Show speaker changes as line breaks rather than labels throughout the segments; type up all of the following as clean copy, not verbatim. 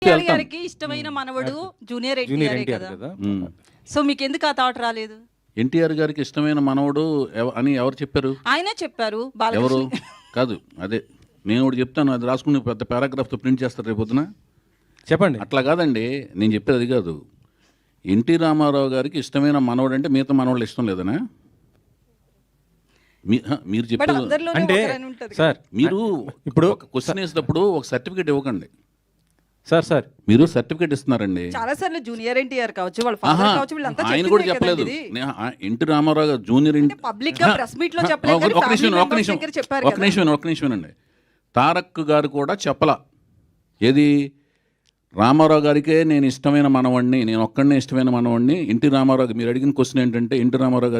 ఎన్టీఆర్
వెళ్తాను.
గారికి ఇష్టమైన మనవడు జూనియర్
జూనియర్
ఎన్టీఆర్
ఎన్టీఆర్
కదా.
కదా.
సో మీకు ఎందుకు ఆ థాట్ రాలేదు?
ఎన్టీఆర్ గారికి ఇష్టమైన మనవడు అని ఎవరు చెప్పారు?
ఆయనే చెప్పారు.
ఎవరు?
బాలకృష్ణ
కాదు, అదే నేను ఒకటి చెప్తాను, అది రాసుకుని పెద్ద పారాగ్రాఫ్తో ప్రింట్ చేస్తారు రేపు పొద్దున.
చెప్పండి.
అట్లా కాదండి, నేను చెప్పేది అది కాదు. ఎన్టీ రామారావు గారికి ఇష్టమైన మనవడు అంటే మిగతా మనవాళ్ళు ఇష్టం లేదనా? మీరు
బట్
చెప్పేది
అందరిలోనే
అంటే
ఒకరని ఉంటది.
సార్
మీరు
ఇప్పుడు
ఒక క్వశ్చన్ వేసినప్పుడు ఒక సర్టిఫికేట్ ఇవ్వకండి.
సార్
మీరు సర్టిఫికేట్ ఇస్తున్నారండి.
చాలా సార్లు జూనియర్ ఎన్టీఆర్ కావచ్చు, వాళ్ళ
ఆహా,
ఫాదర్ కావచ్చు, వీళ్ళంతా
ఆయన కూడా చెప్పలేదు. ఎన్టీ రామారావు గారు జూనియర్
పబ్లిక్ గా ప్రెస్ మీట్ లో చెప్పలేదు కానీ
ఒక
family members
నిమిషం
దగ్గర చెప్పారు
ఒక
కదా.
నిమిషం అండి. తారక్ గారు కూడా చెప్పలా. ఏది? రామారావు గారికే నేను ఇష్టమైన మనవాడిని, నేను ఒక్కడనే ఇష్టమైన మనవాడిని. ఎన్టీ రామారావు మీరు అడిగిన క్వశ్చన్ ఏంటంటే ఎన్టీ రామారావు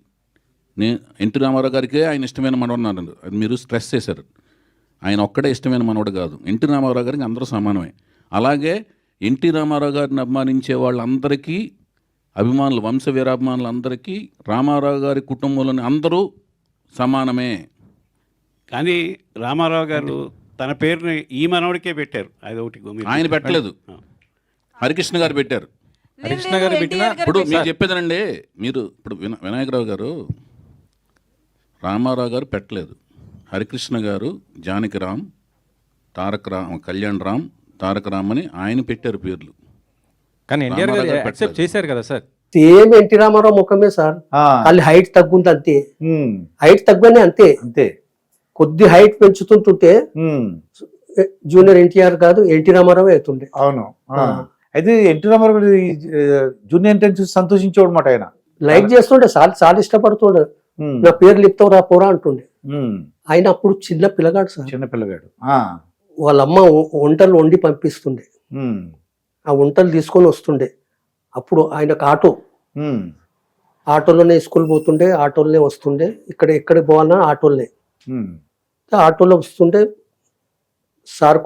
గారికే ఆయన ఇష్టమైన మనవాడు అన్నారు. అది మీరు స్ట్రెస్ చేశారు. ఆయన ఒక్కడే ఇష్టమైన మనవాడు కాదు. ఎన్టీ రామారావు గారికి అందరూ సమానమే. అలాగే ఎన్టీ రామారావు గారిని అభిమానించే వాళ్ళందరికీ, అభిమానులు, వంశ వీరాభిమానులందరికీ రామారావు గారి కుటుంబంలోని అందరూ సమానమే.
కానీ రామారావు గారు తన పేరుని ఈ మనవడికే పెట్టారు. అది ఒకటి
ఆయన పెట్టలేదు, హరికృష్ణ గారు పెట్టారు.
హరికృష్ణ గారు పెట్టిన
ఇప్పుడు మీరు చెప్పేదనండి, మీరు ఇప్పుడు వినాయకరావు గారు రామారావు గారు పెట్టలేదు. హరికృష్ణ గారు, జానకి రామ్, కళ్యాణ్ రామ్, తారక రామ్ అని ఆయన పెట్టారు పేర్లు.
కానీ ఎన్టీఆర్ గారు
రామారావు గారు
యాక్సెప్ట్ చేశారు కదా సార్.
సేమ్ ఎన్టీ రామారావు ముఖమే సార్. వాళ్ళు హైట్ తగ్గుంది అంతే, హైట్ తగ్గనే అంతే
అంతే.
కొద్ది హైట్ పెంచుతుంటుంటే జూనియర్ ఎన్టీఆర్ కాదు ఎన్టీ రామారావు అవుతుండే.
అవును. అయితే ఎన్టీ రామారావు గారు జూనియర్ ఎన్టీఆర్ చూసి సంతోషించేవాడు అనమాట ఆయన.
లైక్ చేస్తుండే, చాలా ఇష్టపడుతుండే. నా పేరు లిప్తావు రా పోరా అంటుండే. ఆయన అప్పుడు చిన్న పిల్లగాడు సార్,
చిన్న పిల్లగాడు.
వాళ్ళ అమ్మ వంటలు వండి పంపిస్తుండే. ఆ వంటలు తీసుకొని వస్తుండే. అప్పుడు ఆయనకు ఆటోలోనే స్కూల్ పోతుండే, ఆటోలోనే వస్తుండే. ఎక్కడ పోవాలన్నా ఆటోలోనే. ఆటోలో వస్తుంటే సార్కు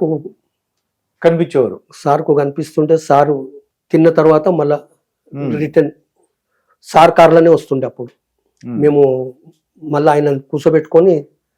కనిపిస్తుంటే సారు తిన్న తర్వాత మళ్ళా రిటర్న్ సార్ కార్లోనే వస్తుండే. అప్పుడు మేము మళ్ళీ ఆయన కూర్చోబెట్టుకొని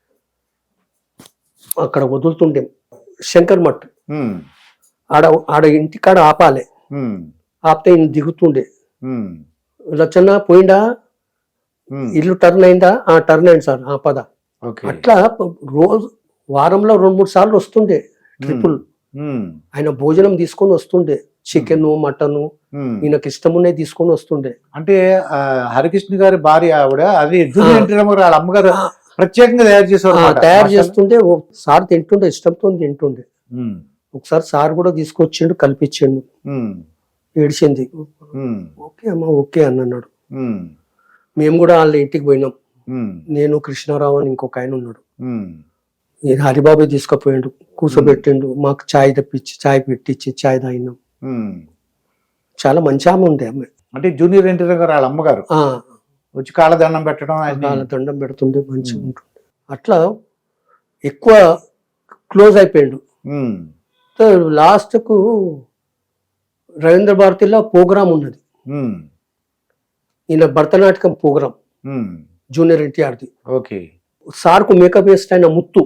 అక్కడ వదులుతుండే. శంకర్ మఠ్ ఆడ ఇంటికాడ ఆపాలి. ఆపితే ఈయన దిగుతుండే. లచ్చన్న పోయిందా, ఇల్లు టర్న్ అయిందా? టర్న్ అయింది సార్, పద. అట్లా రోజు వారంలో 2-3 సార్లు వస్తుండే ట్రిపుల్. ఆయన భోజనం తీసుకొని వస్తుండే, చికెన్, మటన్, ఈయనకి ఇష్టమునే తీసుకొని వస్తుండే.
అంటే హరికృష్ణ గారి భార్య ఆవిడ అది జూనియర్ ఎన్టీ రామారావు వాళ్ళ అమ్మగారు ప్రత్యేకంగా తయారు
చేస్తుండే. సార్ తింటుండే, ఇష్టంతో తింటుండే. ఒకసారి సార్ కూడా తీసుకొచ్చిండు, కల్పించిండు. ఏడిచింది. ఓకే అమ్మా ఓకే అన్నాడు. మేము కూడా వాళ్ళ ఇంటికి పోయినాం. నేను, కృష్ణారావు అని ఇంకొక ఆయన ఉన్నాడు. హరిబాబు తీసుకుపోయిండు, కూర్చోబెట్టిండు. మాకు ఛాయ్ తెప్పించి ఛాయ్ పెట్టించి ఛాయ్ తాగినాం. చాలా మంచి ఆమె ఉండే ఆమె.
అంటే జూనియర్ ఎన్టీఆర్ గారు వాళ్ళ అమ్మగారు వచ్చి కాళ్ళదండం పెట్టడం,
కాళ్ళదండం పెడుతుండే, మంచిగా ఉంటుండే. అట్లా ఎక్కువ క్లోజ్ అయిపోయిండు. లాస్ట్ కు రవీంద్ర భారతిలో ప్రోగ్రామ్ ఉన్నది, ఈయన భరతనాట్యం ప్రోగ్రామ్ జూనియర్ ఎన్టీఆర్ది. సార్ కు మేకప్ వేస్తే ఆయన ముత్తు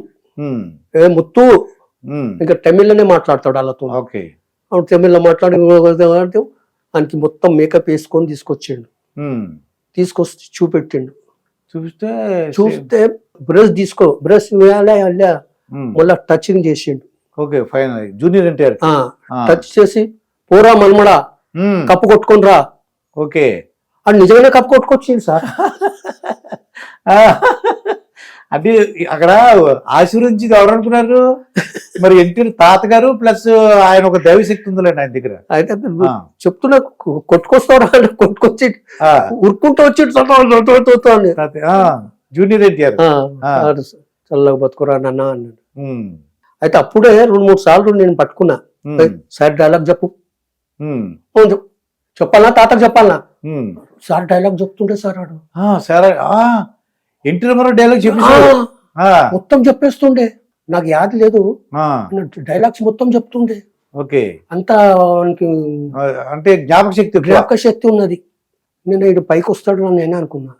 ఇంకా తమిళ్లోనే మాట్లాడతాడు వాళ్ళతో. తమిళ్లో మాట్లాడి ఆయనకి మొత్తం మేకప్ వేసుకొని తీసుకొచ్చిండు. తీసుకొచ్చి చూపెట్టిండు. చూస్తే బ్రష్ వేయాలా మళ్ళా టచింగ్ చేసిండు.
జూనియర్ ఎన్టీఆర్
టచ్ చేసి పోరా మల్మడా కప్పు కొట్టుకొని రా. అది నిజంగానే కప్పు కొట్టుకొచ్చింది సార్.
అంటే అక్కడ ఆశీర్వదించి ఎవరు అనుకున్నారు మరి? ఎన్టీఆర్ తాతగారు ప్లస్ ఆయన ఒక దైవశక్తి ఉందిలేండి ఆయన దగ్గర.
అయితే చెప్తున్నా, కొట్టుకొస్తారా అంటే కొట్టుకొచ్చి ఉరుక్కుంటూ వచ్చి
జూనియర్ ఎన్టీఆర్
చల్లగా బతుకురా నాన్న అన్నాడు. అయితే అప్పుడే 2-3 సార్లు నేను పట్టుకున్నా. సార్ డైలాగ్ చెప్పు, చెప్పాలనా తాతకు చెప్పాలనా? సార్ డైలాగ్ చెప్తుండే సార్ ఆడు.
సరే ఎన్టీ రామారావు డైలాగ్
మొత్తం చెప్పేస్తుండే. నాకు యాద లేదు, డైలాగ్స్ మొత్తం చెప్తుండే. అంత
అంటే జ్ఞాపక శక్తి
ఉన్నది. నేను ఇటు పైకి వస్తాడు అని నేనే అనుకున్నా.